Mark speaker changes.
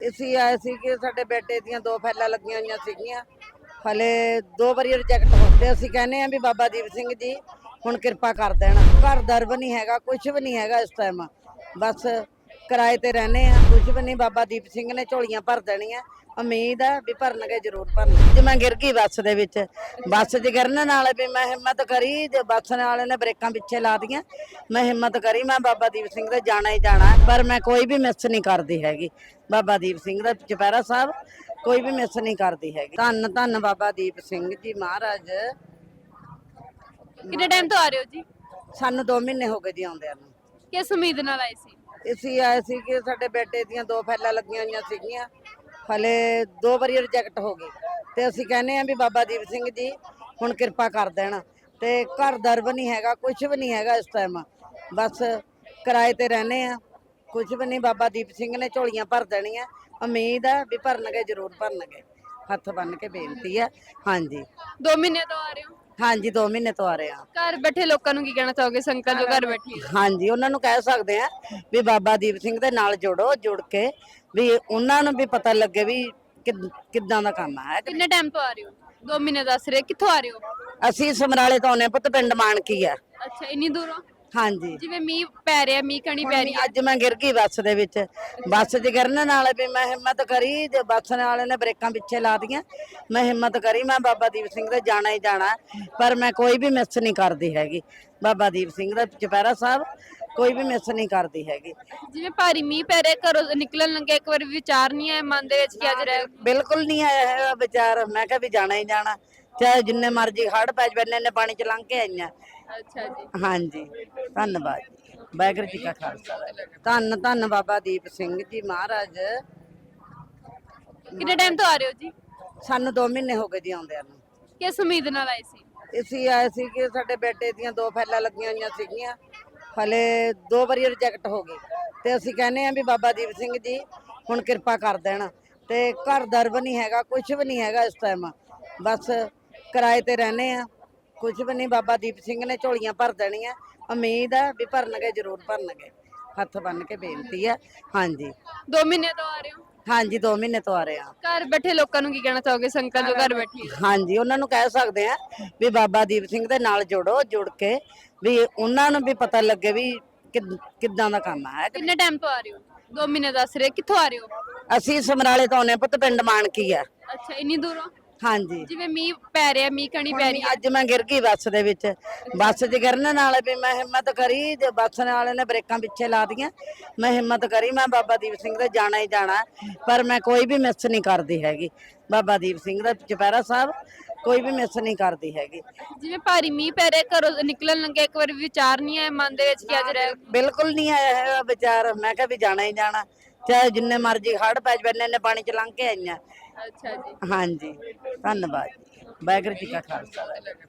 Speaker 1: ਅਸੀਂ ਆਏ ਸੀ ਕਿ ਸਾਡੇ ਬੇਟੇ ਦੀਆਂ 2 ਫਾਈਲਾਂ ਲੱਗੀਆਂ ਹੋਈਆਂ ਸੀਗੀਆਂ, ਹਲੇ 2 ਵਾਰੀ ਰਿਜੈਕਟ ਹੋ ਤੇ ਅਸੀਂ ਕਹਿੰਦੇ ਆ ਵੀ ਬਾਬਾ ਦੀਪ ਸਿੰਘ ਜੀ ਹੁਣ ਕਿਰਪਾ ਕਰ ਦੇਣ। ਘਰ ਦਰ ਵੀ ਨਹੀਂ ਹੈਗਾ, ਕੁਝ ਵੀ ਨਹੀਂ ਹੈਗਾ ਇਸ ਟਾਈਮ, ਬਸ ਕਿਰਾਏ ਤੇ ਰਹਨੇ ਆ, ਕੁਝ ਵੀ ਨਹੀਂ। ਬਾਬਾ ਦੀਪ ਸਿੰਘ ਨੇ ਝੋਲੀਆਂ ਭਰ ਦੇਣੀਆਂ, ਉਮੀਦ ਆ ਵੀ ਭਰਨਗੇ, ਜ਼ਰੂਰ ਭਰਨਗੇ। ਜੇ ਮੈਂ ਗਿਰ ਗਈ ਬੱਸ ਦੇ ਵਿੱਚ, ਬੱਸ 'ਚ ਗਿਰਨ ਨਾਲ ਵੀ ਮੈਂ ਹਿੰਮਤ ਕਰੀ, ਜੇ ਬੱਸ ਵਾਲੇ ਨੇ ਬ੍ਰੇਕਾਂ ਪਿੱਛੇ ਲਾ ਦੀਆਂ, ਮੈਂ ਹਿੰਮਤ ਕਰੀ, ਮੈਂ ਬਾਬਾ ਦੀਪ ਸਿੰਘ ਦੇ ਜਾਣਾ ਹੀ ਜਾਣਾ, ਪਰ ਮੈਂ ਕੋਈ ਵੀ ਮਿਸ ਨਹੀਂ ਕਰਦੀ ਹੈਗੀ। ਬਾਬਾ ਦੀਪ ਸਿੰਘ ਦਾ ਚੁਪਹਿਰਾ ਸਾਹਿਬ ਕੋਈ ਵੀ ਮਿਸ ਨਹੀਂ ਕਰਦੀ ਹੈਗੀ। ਧੰਨ ਧੰਨ ਬਾਬਾ ਦੀਪ ਸਿੰਘ ਜੀ ਮਹਾਰਾਜ।
Speaker 2: ਕਿੰਨੇ ਟਾਈਮ ਤੋਂ ਆ ਰਹੇ ਹੋ ਜੀ?
Speaker 1: ਸਾਨੂੰ 2 ਮਹੀਨੇ ਹੋ ਗਏ ਜੀ ਆਉਂਦਿਆਂ ਨੂੰ।
Speaker 2: ਕਿਸ ਉਮੀਦ ਨਾਲ ਆਏ ਸੀ?
Speaker 1: ਅਸੀਂ ਆਏ ਸੀ ਕਿ ਸਾਡੇ ਬੇਟੇ ਦੀਆਂ 2 ਫਾਈਲਾਂ ਲੱਗੀਆਂ ਹੋਈਆਂ ਸੀਗੀਆਂ, ਹਲੇ 2 ਵਾਰੀ ਰਿਜੈਕਟ ਹੋ ਗਈ ਤੇ ਅਸੀਂ ਕਹਿੰਦੇ ਆ ਵੀ ਬਾਬਾ ਦੀਪ ਸਿੰਘ ਜੀ ਹੁਣ ਕਿਰਪਾ ਕਰ ਦੇਣ। ਤੇ ਘਰ ਦਰ ਵੀ ਨਹੀਂ ਹੈਗਾ, ਕੁਝ ਵੀ ਨਹੀਂ ਹੈਗਾ ਇਸ ਟਾਈਮ, ਬਸ ਕਿਰਾਏ ਤੇ ਰਹਨੇ ਆ, ਕੁਝ ਵੀ ਨਹੀਂ। ਬਾਬਾ ਦੀਪ ਸਿੰਘ ਨੇ ਝੋਲੀਆਂ ਭਰ ਦੇਣੀਆਂ, ਉਮੀਦ ਆ ਵੀ ਭਰਨਗੇ, ਜ਼ਰੂਰ ਭਰਨਗੇ। ਹੱਥ ਬੰਨ ਕੇ ਬੇਨਤੀ ਹੈ। ਹਾਂਜੀ
Speaker 2: 2 ਮਹੀਨੇ ਤੋਂ ਆ ਰਹੇ ਹੋ?
Speaker 1: ਹਾਂਜੀ 2 ਮਹੀਨੇ ਤੋਂ ਆ ਰਹੇ ਆ।
Speaker 2: ਘਰ ਬੈਠੇ ਲੋਕਾਂ ਨੂੰ ਕੀ ਕਹਿਣਾ ਚਾਹੋਗੇ, ਸੰਗਤ ਜੋ ਘਰ ਬੈਠੀ ਹੈ?
Speaker 1: ਹਾਂਜੀ ਉਹਨਾਂ ਨੂੰ ਕਹਿ ਸਕਦੇ ਆ ਵੀ ਬਾਬਾ ਦੀਪ ਸਿੰਘ ਦੇ ਨਾਲ ਜੁੜੋ, ਜੁੜ ਕੇ ਵੀ ਉਹਨਾਂ ਨੂੰ ਵੀ ਪਤਾ ਲੱਗੇ ਵੀ ਕਿੱਦਾਂ ਦਾ ਕੰਮ ਹੈ।
Speaker 2: ਕਿੰਨੇ ਟਾਈਮ ਤੋਂ ਆ ਰਹੇ ਹੋ? 2 ਮਹੀਨੇ ਦੱਸ ਰਹੇ, ਕਿੱਥੋਂ ਆ ਰਹੇ ਹੋ?
Speaker 1: ਅਸੀਂ ਸਮਰਾਲੇ ਤੋਂ ਆਉਂਦੇ ਹਾਂ, ਪੁੱਤ ਪਿੰਡ ਮਾਨਕੀ ਆ।
Speaker 2: ਅੱਛਾ, ਇੰਨੀ ਦੂਰੋਂ?
Speaker 1: ਹਾਂਜੀ
Speaker 2: ਜਿਵੇਂ ਮੀਂਹ ਪੈ ਰਿਹਾ, ਮੀਂਹ ਕਣੀ ਪੈ ਰਹੀ ਹੈ।
Speaker 1: ਅੱਜ ਮੈਂ ਗਿਰ ਗਈ ਬੱਸ ਦੇ ਵਿੱਚ, ਬੱਸ 'ਚ ਗਿਰਨ ਨਾਲ ਵੀ ਮੈਂ ਹਿੰਮਤ ਕਰੀ, ਜੇ ਬੱਸ ਵਾਲੇ ਨੇ ਬ੍ਰੇਕਾਂ ਪਿੱਛੇ ਲਾ ਦੀਆਂ, ਮੈਂ ਹਿੰਮਤ ਕਰੀ, ਮੈਂ ਬਾਬਾ ਦੀਪ ਸਿੰਘ ਦੇ ਜਾਣਾ ਹੀ ਜਾਣਾ, ਪਰ ਮੈਂ ਕੋਈ ਵੀ ਮਿਸ ਨਹੀਂ ਕਰਦੀ ਹੈਗੀ। ਬਾਬਾ ਦੀਪ ਸਿੰਘ ਦਾ ਚੁਪਹਿਰਾ ਸਾਹਿਬ ਕੋਈ ਵੀ ਮਿਸ ਨਹੀਂ ਕਰਦੀ ਹੈਗੀ।
Speaker 2: ਜਿਵੇਂ ਭਾਰੀ ਮੀਂਹ ਪੈ ਰਿਹਾ, ਘਰੋਂ ਨਿਕਲਣ ਲੱਗੇ ਇੱਕ ਵਾਰ ਵਿਚਾਰ ਨਹੀਂ ਆਇਆ ਮਨ ਦੇ ਵਿੱਚ ਕਿ ਅੱਜ ਰਹਿ?
Speaker 1: ਬਿਲਕੁਲ ਨਹੀਂ ਆਇਆ ਹੈਗਾ ਵਿਚਾਰ, ਮੈਂ ਕਿਹਾ ਵੀ ਜਾਣਾ ਹੀ ਜਾਣਾ, ਚਾਹੇ ਜਿੰਨੇ ਮਰਜ਼ੀ ਹੜ੍ਹ ਪੈ ਜਾਵੇ, ਇੰਨੇ ਪਾਣੀ 'ਚ ਲੰਘ ਕੇ ਆਈਆਂ।
Speaker 2: ਅੱਛਾ ਜੀ,
Speaker 1: ਹਾਂਜੀ ਧੰਨਵਾਦ ਜੀ। ਵਾਹਿਗੁਰੂ ਜੀ ਕਾ ਖਾਲਸਾ। ਧੰਨ ਧੰਨ ਬਾਬਾ ਦੀਪ ਸਿੰਘ ਜੀ ਮਹਾਰਾਜ।
Speaker 2: ਕਿੰਨੇ ਟਾਈਮ ਤੋਂ ਆ ਰਹੇ ਹੋ ਜੀ?
Speaker 1: ਸਾਨੂੰ 2 ਮਹੀਨੇ ਹੋ ਗਏ ਜੀ ਆਉਂਦਿਆਂ ਨੂੰ।
Speaker 2: ਕਿਸ ਉਮੀਦ ਨਾਲ ਆਏ ਸੀ?
Speaker 1: ਅਸੀਂ ਆਏ ਸੀ ਕਿ ਸਾਡੇ ਬੇਟੇ ਦੀਆਂ 2 ਫਾਈਲਾਂ ਲੱਗੀਆਂ ਹੋਈਆਂ ਸੀਗੀਆਂ, ਹਲੇ 2 ਵਾਰੀ ਰਿਜੈਕਟ ਹੋ ਗਈ ਤੇ ਅਸੀਂ ਕਹਿੰਦੇ ਆ ਵੀ ਬਾਬਾ ਦੀਪ ਸਿੰਘ ਜੀ ਹੁਣ ਕਿਰਪਾ ਕਰ ਦੇਣ। ਤੇ ਘਰ ਦਰ ਵੀ ਨਹੀਂ ਹੈਗਾ, ਕੁਝ ਵੀ ਨਹੀਂ ਹੈਗਾ ਇਸ ਟਾਈਮ, ਬਸ ਕਿਰਾਏ ਤੇ ਰਹਨੇ ਆ, ਕੁਝ ਵੀ ਨਹੀਂ। ਬਾਬਾ ਦੀਪ ਸਿੰਘ ਨੇ ਝੋਲੀਆਂ ਭਰ ਦੇਣੀਆਂ, ਉਮੀਦ ਆ ਵੀ ਭਰਨਗੇ, ਜ਼ਰੂਰ ਭਰਨਗੇ। ਹੱਥ ਬੰਨ ਕੇ ਬੇਨਤੀ ਹੈ। ਹਾਂਜੀ
Speaker 2: 2 ਮਹੀਨੇ ਤੋਂ ਆ ਰਹੇ ਹੋ?
Speaker 1: ਹਾਂਜੀ 2 ਮਹੀਨੇ ਤੋਂ ਆ ਰਹੇ ਆ।
Speaker 2: ਘਰ ਬੈਠੇ ਲੋਕਾਂ ਨੂੰ ਕੀ ਕਹਿਣਾ ਚਾਹੋਗੇ, ਸੰਗਤ ਜੋ ਘਰ ਬੈਠੀ ਹੈ?
Speaker 1: ਹਾਂਜੀ ਉਹਨਾਂ ਨੂੰ ਕਹਿ ਸਕਦੇ ਆ ਵੀ ਬਾਬਾ ਦੀਪ ਸਿੰਘ ਦੇ ਨਾਲ ਜੁੜੋ, ਜੁੜ ਕੇ ਵੀ ਉਹਨਾਂ ਨੂੰ ਵੀ ਪਤਾ ਲੱਗੇ ਵੀ ਕਿੱਦਾਂ ਦਾ ਕੰਮ ਹੈ।
Speaker 2: ਕਿੰਨੇ ਟਾਈਮ ਤੋਂ ਆ ਰਹੇ ਹੋ? 2 ਮਹੀਨੇ ਦੱਸ ਰਹੇ, ਕਿੱਥੋਂ ਆ ਰਹੇ ਹੋ?
Speaker 1: ਅਸੀਂ ਸਮਰਾਲੇ ਤੋਂ ਆਉਂਦੇ ਹਾਂ, ਪੁੱਤ ਪਿੰਡ ਮਾਨਕੀ ਆ।
Speaker 2: ਅੱਛਾ, ਇੰਨੀ ਦੂਰੋਂ?
Speaker 1: ਹਾਂਜੀ
Speaker 2: ਜਿਵੇਂ ਮੀਂਹ ਪੈ ਰਿਹਾ, ਮੀਂਹ ਕਣੀ ਪੈ ਰਹੀ ਹੈ।
Speaker 1: ਅੱਜ ਮੈਂ ਗਿਰ ਗਈ ਬੱਸ ਦੇ ਵਿੱਚ, ਬੱਸ 'ਚ ਗਿਰਨ ਨਾਲ ਵੀ ਮੈਂ ਹਿੰਮਤ ਕਰੀ, ਜੇ ਬੱਸ ਵਾਲੇ ਨੇ ਬ੍ਰੇਕਾਂ ਪਿੱਛੇ ਲਾ ਦੀਆਂ, ਮੈਂ ਹਿੰਮਤ ਕਰੀ, ਮੈਂ ਬਾਬਾ ਦੀਪ ਸਿੰਘ ਦੇ ਜਾਣਾ ਹੀ ਜਾਣਾ, ਪਰ ਮੈਂ ਕੋਈ ਵੀ ਮਿਸ ਨਹੀਂ ਕਰਦੀ ਹੈਗੀ। ਬਾਬਾ ਦੀਪ ਸਿੰਘ ਦਾ ਚੁਪਹਿਰਾ ਸਾਹਿਬ ਕੋਈ ਵੀ ਮਿਸ ਨਹੀਂ ਕਰਦੀ ਹੈਗੀ।
Speaker 2: ਜਿਵੇਂ ਭਾਰੀ ਮੀਂਹ ਪੈ ਰਿਹਾ, ਘਰੋਂ ਨਿਕਲਣ ਲੱਗੇ ਇੱਕ ਵਾਰ ਵਿਚਾਰ ਨਹੀਂ ਆਇਆ ਮਨ ਦੇ ਵਿੱਚ ਕਿ ਅੱਜ ਰਹਿ?
Speaker 1: ਬਿਲਕੁਲ ਨਹੀਂ ਆਇਆ ਹੈਗਾ ਵਿਚਾਰ, ਮੈਂ ਕਿਹਾ ਵੀ ਜਾਣਾ ਹੀ ਜਾਣਾ, ਚਾਹੇ ਜਿੰਨੇ ਮਰਜ਼ੀ ਹੜ੍ਹ ਪੈ ਜਾਵੇ, ਇੰਨੇ ਪਾਣੀ 'ਚ ਲੰਘ ਕੇ ਆਈਆਂ।
Speaker 2: ਅੱਛਾ ਜੀ,
Speaker 1: ਹਾਂਜੀ ਧੰਨਵਾਦ ਜੀ। ਵਾਹਿਗੁਰੂ ਜੀ ਕਾ ਖਾਲਸਾ।